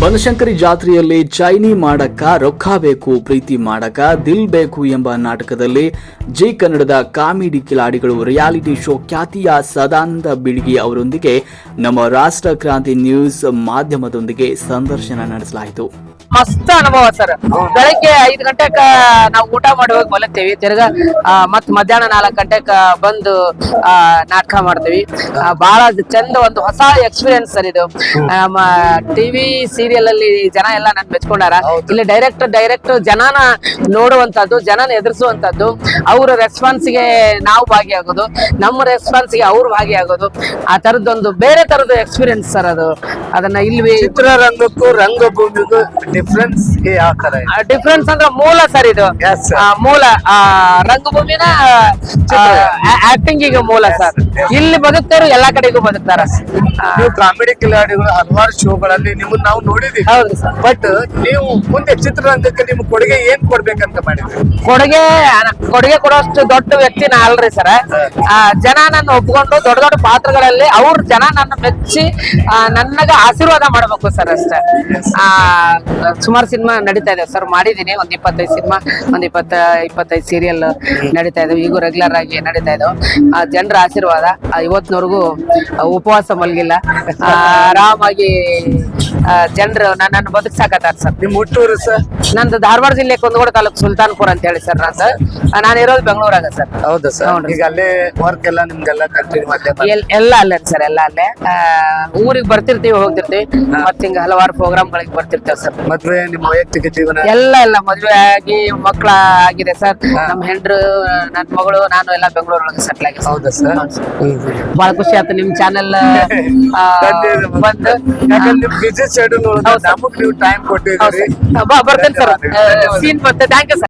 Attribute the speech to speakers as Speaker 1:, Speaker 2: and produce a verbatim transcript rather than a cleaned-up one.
Speaker 1: ಬನಶಂಕರಿ ಜಾತ್ರೆಯಲ್ಲಿ ಚೈನಿ ಮಾಡಕ್ಕ ರೊಕ್ಕ ಬೇಕು ಪ್ರೀತಿ ಮಾಡಕ ದಿಲ್ ಬೇಕು ಎಂಬ ನಾಟಕದಲ್ಲಿ ಜಿ ಕನ್ನಡದ ಕಾಮಿಡಿ ಕಿಲಾಡಿಗಳು ರಿಯಾಲಿಟಿ ಶೋ ಖ್ಯಾತಿಯ ಸದಾನಂದ ಬಿಳ್ಗಿ ಅವರೊಂದಿಗೆ ನಮ್ಮ ರಾಷ್ಟ್ರ ಕ್ರಾಂತಿ ನ್ಯೂಸ್ ಮಾಧ್ಯಮದೊಂದಿಗೆ ಸಂದರ್ಶನ ನಡೆಸಲಾಯಿತು.
Speaker 2: ಮಸ್ತ್ ಅನುಭವ ಸರ್. ಬೆಳಗ್ಗೆ ಐದು ಗಂಟೆಕ ನಾವು ಊಟ ಮಾಡಿ ಹೋಗಿ ಮಲಗ್ತೇವಿ. ತಿರ್ಗಾ ಮತ್ ಮಧ್ಯಾಹ್ನ ನಾಲ್ಕು ಗಂಟೆಕ ಬಂದು ಆ ನಾಟಕ ಮಾಡ್ತೀವಿ. ಬಹಳ ಚಂದ, ಒಂದು ಹೊಸ ಎಕ್ಸ್ಪೀರಿಯನ್ಸ್ ಸರ್ ಇದು. ನಮ್ಮ ಟಿವಿ ಸೀರಿಯಲ್ ಅಲ್ಲಿ ಜನ ಎಲ್ಲ ನನ್ ಮೆಚ್ಕೊಂಡಾರ. ಇಲ್ಲಿ ಡೈರೆಕ್ಟ್ ಡೈರೆಕ್ಟ್ ಜನನ ನೋಡುವಂತದ್ದು, ಜನನ ಎದುರಿಸುವಂತದ್ದು, ಅವ್ರ ರೆಸ್ಪಾನ್ಸ್ ಗೆ ನಾವು ಭಾಗಿಯಾಗೋದು, ನಮ್ಮ ರೆಸ್ಪಾನ್ಸ್ ಗೆ ಅವ್ರು ಭಾಗಿಯಾಗೋದು, ಆ ತರದೊಂದು ಬೇರೆ ತರದ ಎಕ್ಸ್ಪೀರಿಯನ್ಸ್ ಸರ್ ಅದು. ಅದನ್ನ ಇಲ್ಲಿ
Speaker 3: ಚಿತ್ರರಂಗಕ್ಕೂ ರಂಗಭೂಮಿಗೂ ಡಿಫ್ರೆನ್ಸ್ ಯಾವ ತರ
Speaker 2: ಡಿಫ್ರೆನ್ಸ್ ಅಂದ್ರೆ ಮೂಲ ಸರ್ ಇದು. ಮೂಲ ರಂಗಭೂಮಿನ ಆಕ್ಟಿಂಗ್ ಗೆ ಮೂಲ ಸರ್. ಇಲ್ಲಿ ಬದುಕ್ತಾರು ಎಲ್ಲಾ ಕಡೆಗೂ ಬದುಕ್ತಾರ.
Speaker 3: ನೀವು ಕಾಮಿಡಿ ಕಿಲಾಡಿಗಳು ಹಲವಾರು ಶೋಗಳಲ್ಲಿ ನಿಮ್ಮನ್ನ ನಾವು ನೋಡಿದೀವಿ.
Speaker 2: ಹೌದು ಸರ್.
Speaker 3: ಬಟ್ ನೀವು ಮುಂದೆ ಚಿತ್ರರಂಗಕ್ಕೆ ನಿಮ್ ಕೊಡುಗೆ ಏನ್ ಕೊಡ್ಬೇಕಂತ ಮಾಡಿದ್ರಿ?
Speaker 2: ಕೊಡುಗೆ ಕೊಡುಗೆ ಕೊಡೋಷ್ಟು ದೊಡ್ಡ ವ್ಯಕ್ತಿ ನಾ ಅಲ್ರಿ ಸರ್. ಜನ ನನ್ನ ಒಪ್ಕೊಂಡು ದೊಡ್ಡ ದೊಡ್ಡ ಪಾತ್ರಗಳಲ್ಲಿ ಅವ್ರ ಜನ ನನ್ನ ಮೆಚ್ಚಿ ನನಗ ಆಶೀರ್ವಾದ ಮಾಡ್ಬೇಕು ಸರ್ ಅಷ್ಟೇ. ಆ ಸುಮಾರು ಸಿನಿಮಾ ನಡೀತಾ ಇದೆ ಸರ್, ಮಾಡಿದೀನಿ. ಒಂದ್ ಇಪ್ಪತ್ತೈದು ಸಿನಿಮಾ, ಒಂದ್ ಇಪ್ಪತ್ತ ಇಪ್ಪತ್ತೈದು ಸೀರಿಯಲ್ ನಡೀತಾ ಇದಾವೆ. ಈಗೂ ರೆಗ್ಯುಲರ್ ಆಗಿ ನಡೀತಾ ಇದಾವೆ. ಜನರ ಆಶೀರ್ವಾದ ಇವತ್ತಿನವರೆಗೂ ಉಪವಾಸ ಮಲಗಿಲ್ಲ. ಆರಾಮಾಗಿ ಜನರು ನನ್ನನ್ನು ಬದುಕ್ಸಾಕತ್ತಾರ ಸರ್.
Speaker 3: ನಿಮ್ ಹುಟ್ಟೂರು ಸರ್?
Speaker 2: ನಂದು ಧಾರವಾಡ ಜಿಲ್ಲೆ ಕುಂದಗೋಳ ತಾಲೂಕು ಸುಲ್ತಾನ್ಪುರ್ ಅಂತ ಹೇಳಿ ಸರ್. ನಾನು ನಾನು ಇರೋದು ಬೆಂಗಳೂರಾಗ ಸರ್.
Speaker 3: ಹೌದಾ ಸರ್? ಈಗ ಅಲ್ಲೇ ವರ್ಕ್ ಎಲ್ಲ ನಿಮ್ಗೆಲ್ಲ ಕಂಟಿನ್ಯೂ ಅಲ್ಲೇ
Speaker 2: ಎಲ್ಲ ಅಲ್ಲೇ ಸರ್, ಎಲ್ಲ ಅಲ್ಲೇ. ಊರಿಗೆ ಬರ್ತಿರ್ತೀವಿ, ಹೋಗ್ತಿರ್ತೀವಿ, ಮತ್ತೆ ಹಿಂಗ ಹಲವಾರು ಪ್ರೋಗ್ರಾಮ್ ಗಳಿಗೆ ಬರ್ತಿರ್ತೇವೆ ಸರ್.
Speaker 3: ಮದ್ವೆ, ನಿಮ್ಮ ವೈಯಕ್ತಿಕ ಜೀವನ
Speaker 2: ಎಲ್ಲ ಎಲ್ಲ ಮದ್ವೆ ಆಗಿ ಮಕ್ಕಳ ಆಗಿದೆ ಸರ್. ನಮ್ಮ ಹೆಂಡ್ರು, ನನ್ ಮಗಳು, ನಾನು ಎಲ್ಲ ಬೆಂಗಳೂರೊಳಗೆ ಸೆಟ್ಲ್ ಆಗಿ.
Speaker 3: ಹೌದಾ ಸರ್?
Speaker 2: ಬಹಳ ಖುಷಿ ಆಯ್ತು ನಿಮ್ ಚಾನೆಲ್ ಬಂದು.
Speaker 3: ಬಿಸಿ ಶೆಡ್ಯೂಲ್ ನಮಗ್ ನೀವು ಟೈಮ್ ಕೊಟ್ಟಿದ್ದೀರಿ.
Speaker 2: ಬರ್ತೇನೆ ಸರ್, ಸೀನ್ ಬರ್ತೇನೆ. Thank you sir.